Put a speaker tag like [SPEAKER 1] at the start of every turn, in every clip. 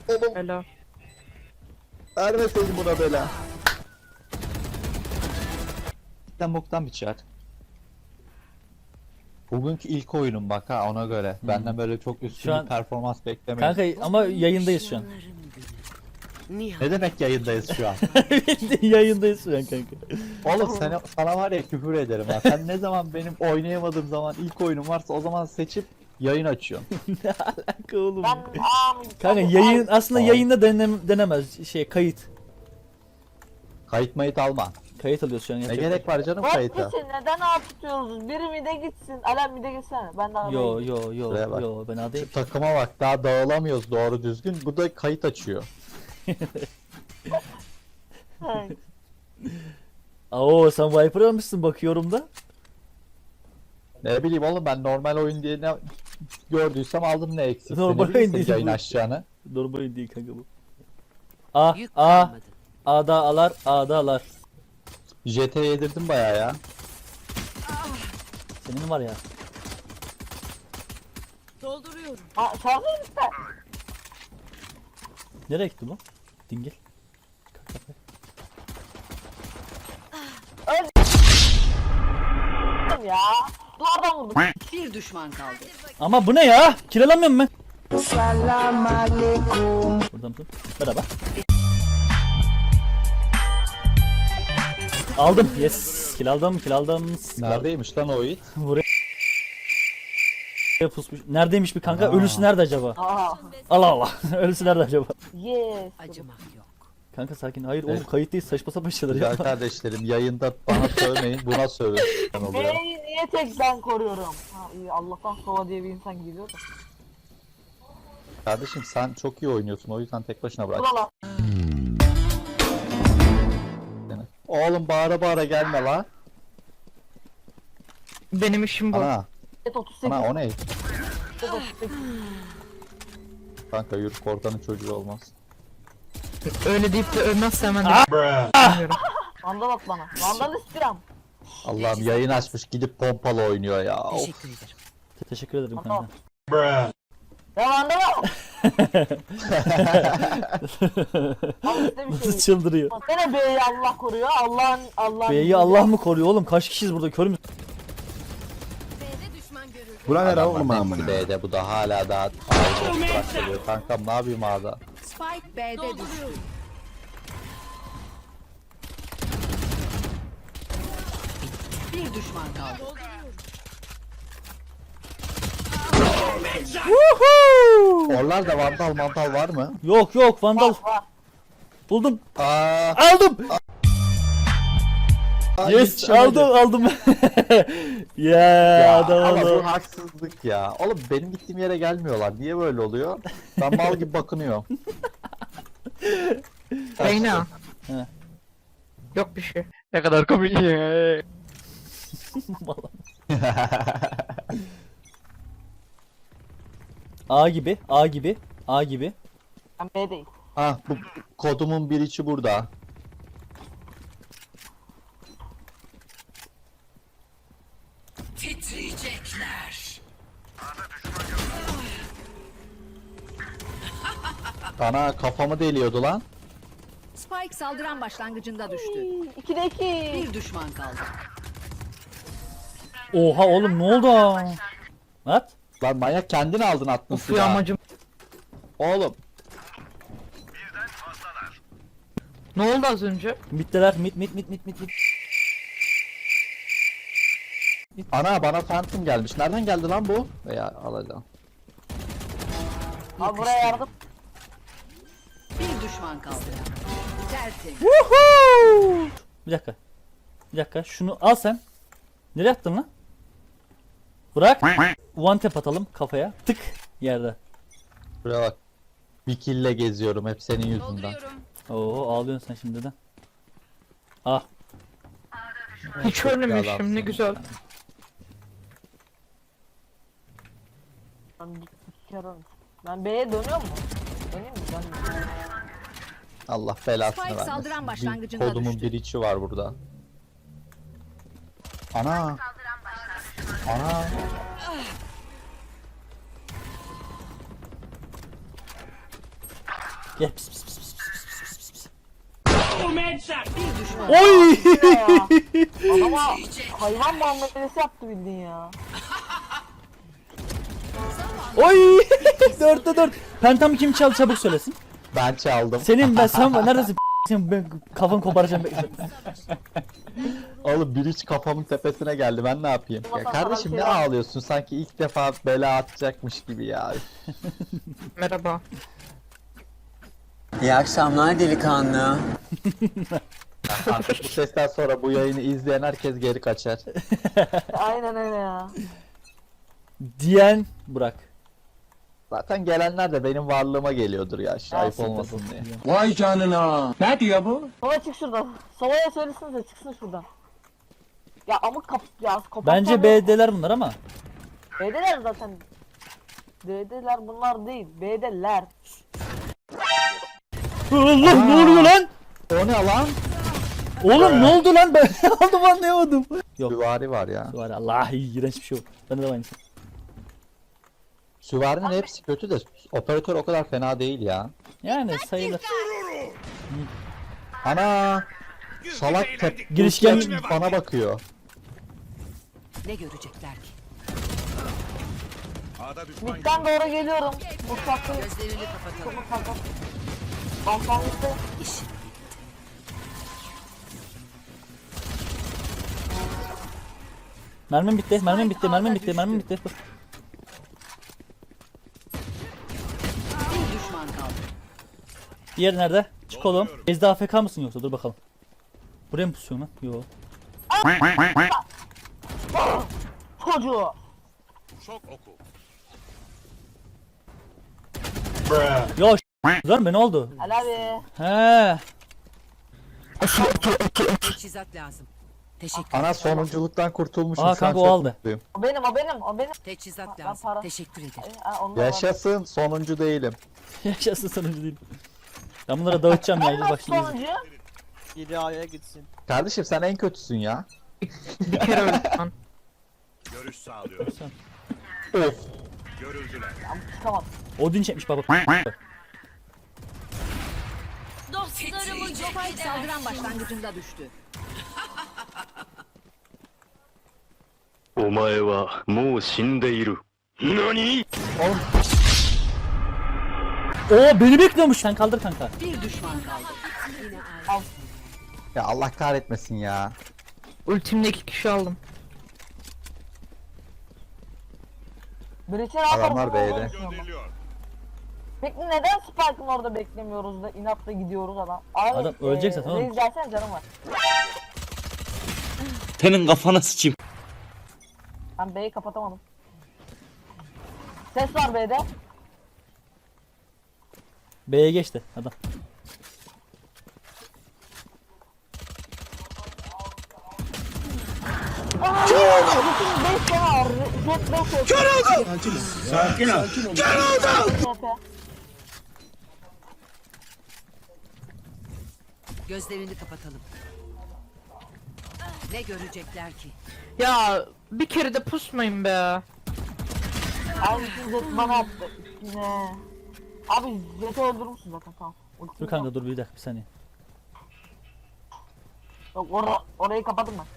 [SPEAKER 1] Oğlum
[SPEAKER 2] Helal.
[SPEAKER 1] vermeseydin buna bela. Sen boktan bir çar. Bugünkü ilk oyunum bak ha, ona göre. Benden böyle çok üstün
[SPEAKER 3] Şu an-
[SPEAKER 1] bir performans beklemeyin.
[SPEAKER 3] Kanka ama yayındayız şu an.
[SPEAKER 1] Ne demek yayındayız şu an?
[SPEAKER 3] Yayındayız şu an kanka.
[SPEAKER 1] Oğlum sana var ya küfür ederim ha. Sen ne zaman benim oynayamadığım zaman ilk oyunum varsa o zaman seçip yayın açıyorsun.
[SPEAKER 3] Ne alaka oğlum?
[SPEAKER 4] Ben
[SPEAKER 3] Kanka yayın aslında
[SPEAKER 1] Tamam.
[SPEAKER 3] yayında denemez kayıt.
[SPEAKER 1] Kayıt mayıt alma.
[SPEAKER 3] Kayıt alıyoruz şu an.
[SPEAKER 1] Ne
[SPEAKER 3] yapacak
[SPEAKER 1] gerek var canım
[SPEAKER 4] Hep
[SPEAKER 1] kayıta?
[SPEAKER 4] gitsin, neden ağ tutuyoruz? Biri mi de gitsin? Alem mi de gitsene. Ben de ağdayım.
[SPEAKER 3] Yo
[SPEAKER 1] Şuraya bak.
[SPEAKER 3] ben adayım.
[SPEAKER 1] Şu takıma bak, daha dağılamıyoruz doğru düzgün. Bu da kayıt açıyor.
[SPEAKER 4] Hey.
[SPEAKER 3] Oo sen Viper almışsın bakıyorum da.
[SPEAKER 1] Ne bileyim oğlum, ben normal oyun diye ne gördüysem aldım, ne eksik.
[SPEAKER 3] Normal oyun değil
[SPEAKER 1] yayın
[SPEAKER 3] bu.
[SPEAKER 1] açacağını.
[SPEAKER 3] Normal değil kanka bu. A
[SPEAKER 5] Yük
[SPEAKER 3] A
[SPEAKER 5] kalmadı.
[SPEAKER 3] A'da alar A'da alar.
[SPEAKER 1] JT yedirdim bayağı ya.
[SPEAKER 3] Senin var ya.
[SPEAKER 5] Dolduruyorum.
[SPEAKER 4] Ha, şarkı lütfen.
[SPEAKER 3] Nereye gitti bu? Dingil.
[SPEAKER 4] Ya. Duvardan vurdum.
[SPEAKER 5] Bir düşman kaldı.
[SPEAKER 3] Ama bu ne ya? Kiralamıyorum ben. Buradan mısın? Merhaba. Aldım. Yes. Kill aldım.
[SPEAKER 1] Neredeymiş lan o it?
[SPEAKER 3] Buraya pusmuş. Neredeymiş bir kanka?
[SPEAKER 1] Aa.
[SPEAKER 3] Ölüsü nerede acaba?
[SPEAKER 4] Aha.
[SPEAKER 3] Allah Allah. Ölüsü nerede acaba?
[SPEAKER 4] Yes.
[SPEAKER 5] Acımak yok.
[SPEAKER 3] Kanka sakin. Hayır
[SPEAKER 1] Evet.
[SPEAKER 3] oğlum kayıt değil. Saçma sapan şeyler
[SPEAKER 1] Güzel
[SPEAKER 3] yapma.
[SPEAKER 1] kardeşlerim, yayında bana sövmeyin, buna sövün. oluyor.
[SPEAKER 4] B'yi niye tek ben koruyorum? Ha iyi, Allah'tan Sova diye bir insan geliyor da.
[SPEAKER 1] Kardeşim sen çok iyi oynuyorsun, o yüzden tek başına bırak
[SPEAKER 4] Ulan
[SPEAKER 1] seni. Oğlum bağıra bağıra gelme la.
[SPEAKER 2] Benim işim bu.
[SPEAKER 1] Ana,
[SPEAKER 4] et 38.
[SPEAKER 1] ana o ne?
[SPEAKER 4] Et 38.
[SPEAKER 1] Kanka yürü, korkanın çocuğu olmaz.
[SPEAKER 2] Öyle deyip de ölmezse hemen de bilmiyorum.
[SPEAKER 4] Vandal at bana. Vandal istiyorum.
[SPEAKER 1] Allah'ım, yayın açmış gidip pompalı oynuyor ya. Of.
[SPEAKER 5] Teşekkür ederim.
[SPEAKER 3] Teşekkür ederim
[SPEAKER 4] Tamam.
[SPEAKER 3] kanka.
[SPEAKER 4] Ya vandal at. Al işte bir
[SPEAKER 3] Nasıl
[SPEAKER 4] şey.
[SPEAKER 3] çıldırıyor?
[SPEAKER 4] Gene B'yi Allah koruyor. Allah'ın.
[SPEAKER 3] B'yi Allah mı koruyor oğlum? Kaç kişiyiz burada? Kör mü?
[SPEAKER 6] Bura ne lan
[SPEAKER 1] Adamlar
[SPEAKER 6] oğlum
[SPEAKER 1] hepsi
[SPEAKER 6] amına?
[SPEAKER 1] B'de, bu da hala daha bırak. Kankam ne yapayım A'da?
[SPEAKER 5] Spike B'de düştü. Bir düşman kaldı.
[SPEAKER 1] Oralarda vandal mantal var mı?
[SPEAKER 3] Yok Vandal.
[SPEAKER 4] Var.
[SPEAKER 3] Buldum.
[SPEAKER 1] Aa,
[SPEAKER 3] Aldım. Yes
[SPEAKER 1] yetişemedim.
[SPEAKER 3] aldım. Ya
[SPEAKER 1] Ya
[SPEAKER 3] adam
[SPEAKER 1] ama
[SPEAKER 3] oldu.
[SPEAKER 1] bu haksızlık ya. Oğlum benim gittiğim yere gelmiyorlar. Niye böyle oluyor? Ben mal gibi bakınıyorum.
[SPEAKER 2] Reyna.
[SPEAKER 3] He.
[SPEAKER 2] Yok bir şey. Ne kadar komik ya.
[SPEAKER 3] A gibi, A gibi, A gibi.
[SPEAKER 4] Ben B'deyim.
[SPEAKER 1] Ah, bu kodumun bir içi burada.
[SPEAKER 5] Titriyecekler.
[SPEAKER 1] Ana kafamı deliyordu lan.
[SPEAKER 5] Spike saldıran başlangıcında düştü.
[SPEAKER 4] 2'de 2.
[SPEAKER 5] Bir düşman kaldı.
[SPEAKER 3] Oha oğlum ne oldu? At.
[SPEAKER 1] Lan manyak, kendin aldın attın
[SPEAKER 2] Uf ya
[SPEAKER 1] silahı.
[SPEAKER 2] amacım.
[SPEAKER 1] Oğlum
[SPEAKER 2] Ne oldu az önce?
[SPEAKER 3] Mitteler, mit.
[SPEAKER 1] ana bana Phantom gelmiş. Nereden geldi lan bu? Veya alacağım.
[SPEAKER 4] Abi buraya yardım.
[SPEAKER 5] Bir düşman kaldı. Tertemiz.
[SPEAKER 3] Bir dakika. Şunu al sen. Nereye attın lan? Bırak. One tap atalım kafaya. Tık yerde.
[SPEAKER 1] Buraya bak. Bir kille geziyorum hep senin yüzünden.
[SPEAKER 3] Oo ağlıyorsun sen şimdiden. Ah.
[SPEAKER 2] Hiç
[SPEAKER 1] Çok
[SPEAKER 2] ölmemişim
[SPEAKER 1] adamsın.
[SPEAKER 2] ne güzel.
[SPEAKER 4] Ben bir kere ölmüşüm. Ben B'ye dönüyor mu? Döneyim mi? Dönmüyorum.
[SPEAKER 1] Allah belasını
[SPEAKER 5] Spike
[SPEAKER 1] vermesin.
[SPEAKER 5] saldıran
[SPEAKER 1] Bir
[SPEAKER 5] başlangıcında
[SPEAKER 1] kodumun
[SPEAKER 5] düştü.
[SPEAKER 1] bir içi var burada. Ana. Ana.
[SPEAKER 3] Gel pis pis pis pis pis pis pis.
[SPEAKER 5] Bir düşman.
[SPEAKER 3] Oy!
[SPEAKER 4] Ya. Adama hayvan muamelesi yaptı bildiğin ya.
[SPEAKER 3] Oy! 4'te 4. Pentamı kim çaldı çabuk söylesin.
[SPEAKER 1] Ben çaldım.
[SPEAKER 3] Sen neredesin? Sen ben kafanı koparacağım.
[SPEAKER 1] Oğlum bir hiç kafamın tepesine geldi. Ben ne yapayım? Ya kardeşim ne ağlıyorsun? Sanki ilk defa bela atacakmış gibi ya.
[SPEAKER 2] Merhaba.
[SPEAKER 6] İyi akşamlar delikanlı.
[SPEAKER 1] Artık bu sesten sonra bu yayını izleyen herkes geri kaçar.
[SPEAKER 4] Aynen öyle ya.
[SPEAKER 3] Diyen Burak.
[SPEAKER 1] Zaten gelenler de benim varlığıma geliyordur ya. Ayıp olmasın diye.
[SPEAKER 6] Vay canına. Ne diyor bu?
[SPEAKER 4] Sova çık şuradan. Sova'ya söylesinize çıksın şuradan. Ya amık kap ya kapat.
[SPEAKER 3] Bence B'deler bunlar ama.
[SPEAKER 4] B'deler zaten. B'deler bunlar değil. B'deler.
[SPEAKER 3] Allah ne oluyor lan?
[SPEAKER 1] O ne lan?
[SPEAKER 3] Oğlum ne oldu lan? Ben aldım anlayamadım. Yok.
[SPEAKER 1] Süvari var ya.
[SPEAKER 3] Var Allah iğrenç bir şey yok. Bende de aynısı.
[SPEAKER 1] Süvarinin hepsi kötü de operatör o kadar fena değil ya.
[SPEAKER 3] Yani sayılır.
[SPEAKER 1] Ana! Salak
[SPEAKER 3] Girişken
[SPEAKER 1] bana bakıyor.
[SPEAKER 5] Ne görecekler ki?
[SPEAKER 4] Mid'den doğru geliyorum. Mutfakta
[SPEAKER 5] Gözlerini kapatalım.
[SPEAKER 4] mutfakta. Balkonda.
[SPEAKER 3] mermim bitti, mermim bitti, mermim bitti, mermim bitti. Dur.
[SPEAKER 5] Bir düşman kaldı.
[SPEAKER 3] Diğeri nerede? Çık oğlum. Ezde AFK mısın yoksa? Dur bakalım. Buraya mı pusuyorsun lan? Yo.
[SPEAKER 4] Çocuğu.
[SPEAKER 3] Yo lan be ne oldu?
[SPEAKER 4] Helal abi.
[SPEAKER 3] He.
[SPEAKER 5] Teçhizat lazım. Teşekkür.
[SPEAKER 1] Ana sonunculuktan kurtulmuşum.
[SPEAKER 3] Aa,
[SPEAKER 1] şu an
[SPEAKER 3] kanka, o
[SPEAKER 1] çok
[SPEAKER 3] aldı.
[SPEAKER 1] mutluyum.
[SPEAKER 4] O benim o benim o benim.
[SPEAKER 5] Teçhizat
[SPEAKER 4] Ben
[SPEAKER 5] lazım.
[SPEAKER 4] para-
[SPEAKER 5] Teşekkür ederim.
[SPEAKER 4] Onu da var.
[SPEAKER 1] Yaşasın sonuncu değilim.
[SPEAKER 3] Yaşasın sonucu değil. Ben bunlara dağıtacağım ya.
[SPEAKER 4] Nasıl
[SPEAKER 3] Bak şimdi.
[SPEAKER 4] sonuncu?
[SPEAKER 7] Biri A'ya gitsin.
[SPEAKER 1] Kardeşim sen en kötüsün ya.
[SPEAKER 2] Bir kere öldüm lan.
[SPEAKER 8] Görüş sağlıyoruz.
[SPEAKER 1] Of.
[SPEAKER 8] Görüldüler.
[SPEAKER 4] Çıkamadım.
[SPEAKER 3] Odin çekmiş bak bak.
[SPEAKER 5] Spike saldıran başlangıcında düştü.
[SPEAKER 8] お前はもう死んでいる。何？
[SPEAKER 3] Oo beni bekliyormuş. Sen kaldır kanka.
[SPEAKER 5] Bir düşman kaldı.
[SPEAKER 1] Ya Allah kahretmesin ya.
[SPEAKER 2] Ultimle 2 kişi aldım.
[SPEAKER 4] Breach'e ne yaparım?
[SPEAKER 1] Adamlar B'de.
[SPEAKER 8] Gönderiliyor.
[SPEAKER 4] Peki neden Spike'ın orada beklemiyoruz da inatla gidiyoruz adam? Abi,
[SPEAKER 3] Adam ölecek zaten oğlum.
[SPEAKER 4] Reis gelsene canım var.
[SPEAKER 6] Senin kafana sıçayım.
[SPEAKER 4] Ben B'yi kapatamadım. Ses var B'de.
[SPEAKER 3] B'ye geçti adam.
[SPEAKER 4] Aaa! Bütün 5 tane var. Jet 5 Kör oldu!
[SPEAKER 6] Sakin ol.
[SPEAKER 5] Gözlerini kapatalım. Ne görecekler ki?
[SPEAKER 2] Ya bir kere de pusmayın be.
[SPEAKER 4] Abi bütün Jet bana attı. Üstüne. Abi Jet'i öldürmüşsün zaten tamam.
[SPEAKER 3] Dur kanka dur bir dakika bir saniye.
[SPEAKER 4] Yok orayı kapadım ben.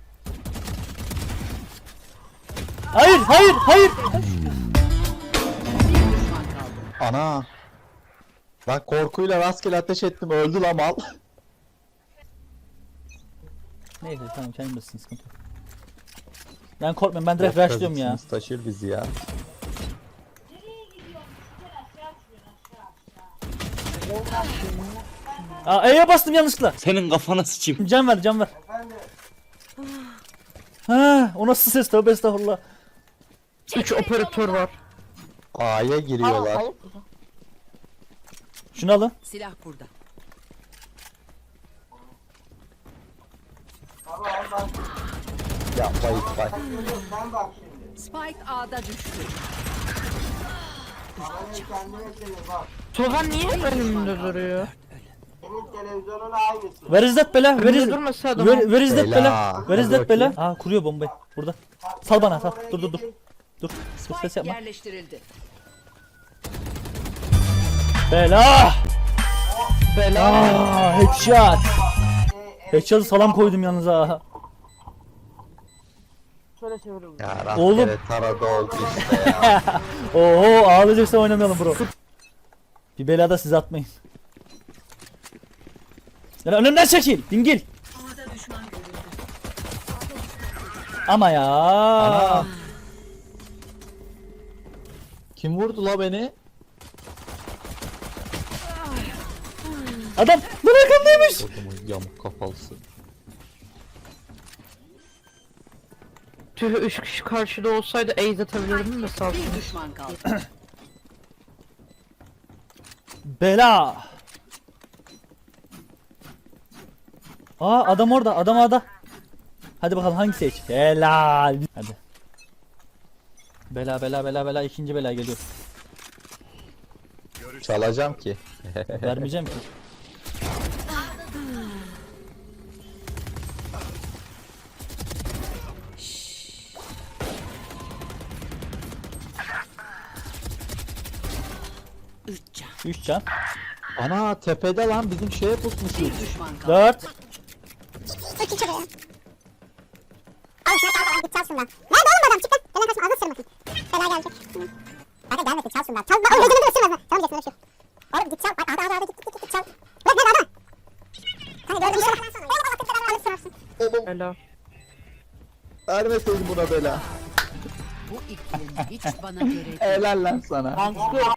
[SPEAKER 3] Hayır hayır hayır.
[SPEAKER 5] Bir düşman kaldı.
[SPEAKER 1] Ana. Ben korkuyla rastgele ateş ettim öldü lan mal.
[SPEAKER 3] Neyse tamam kendim bilirsin sıkıntı yok. Ben korkmuyorum ben direkt rushlıyorum ya.
[SPEAKER 1] Taşır bizi ya.
[SPEAKER 3] Aa E'ye bastım yanlışlıkla.
[SPEAKER 6] Senin kafana sıçayım.
[SPEAKER 3] Can ver can ver. Ha, o nasıl ses tövbe estağfurullah.
[SPEAKER 2] 3 operatör var.
[SPEAKER 1] A'ya giriyorlar.
[SPEAKER 4] Hayır.
[SPEAKER 3] Şunu alın.
[SPEAKER 5] Silah burada.
[SPEAKER 1] Yapma İkbal.
[SPEAKER 5] Spike A'da düştü.
[SPEAKER 2] Sova niye önümde duruyor?
[SPEAKER 3] Where is that bela? Where is,
[SPEAKER 2] Önümde durmasa adam.
[SPEAKER 3] where is that
[SPEAKER 1] Bela.
[SPEAKER 3] bela? Where is
[SPEAKER 1] Hadi
[SPEAKER 3] that bela?
[SPEAKER 1] bakayım.
[SPEAKER 3] Aa kuruyor bombayı. Burada. Sal bana sal. Dur dur dur. Dur. Ses
[SPEAKER 5] Spike
[SPEAKER 3] yapma.
[SPEAKER 5] yerleştirildi.
[SPEAKER 3] Bela!
[SPEAKER 2] Bela.
[SPEAKER 3] Headshot. Headshot'ı salam koydum yalnız ha.
[SPEAKER 4] Şöyle çeviriyorum.
[SPEAKER 1] Ya
[SPEAKER 3] Oğlum.
[SPEAKER 1] rastgele tarada oldu işte ya.
[SPEAKER 3] Oho ağlayacaksan oynamayalım bro. Bir belada siz atmayın. Lan önümden çekil dingil. Ama ya.
[SPEAKER 1] Ana. Kim vurdu la beni?
[SPEAKER 3] Adam lan arkamdaymış.
[SPEAKER 1] Adamın yamuk kafalısı.
[SPEAKER 2] Tüh 3 kişi karşıda olsaydı ace atabilirdim de sağ olsun.
[SPEAKER 5] Bir düşman kaldı.
[SPEAKER 3] Bela. Aa adam orada adam orada. Hadi bakalım hangi seç? Helal. Hadi. Bela bela bela bela ikinci bela geliyor.
[SPEAKER 1] Çalacağım ki.
[SPEAKER 3] Vermeyeceğim ki.
[SPEAKER 5] Üç can.
[SPEAKER 3] 3 can.
[SPEAKER 1] Ana tepede lan bizim şeye pusmuşuz.
[SPEAKER 5] Bir düşman kaldı.
[SPEAKER 3] 4.
[SPEAKER 9] Al şuna çal git çal şundan. Nerede oğlum adam çık lan. Belen kaçma ağzını sırmasın. Bela gelecek. Hadi gelmesin çal şundan. Çal. Oğlum gözünü de ısırmaz. Çalmayacaksın öyle şey. Oğlum git çal. Hadi git çal. Bırak nerede adam? Hani gördün mü? Oğlum Allah kırk alıp sırarsın.
[SPEAKER 2] Bela.
[SPEAKER 1] Vermeseydin buna bela.
[SPEAKER 5] Bu iklim hiç bana göre değil.
[SPEAKER 1] Helal lan sana.
[SPEAKER 4] Ben çıkıyorum.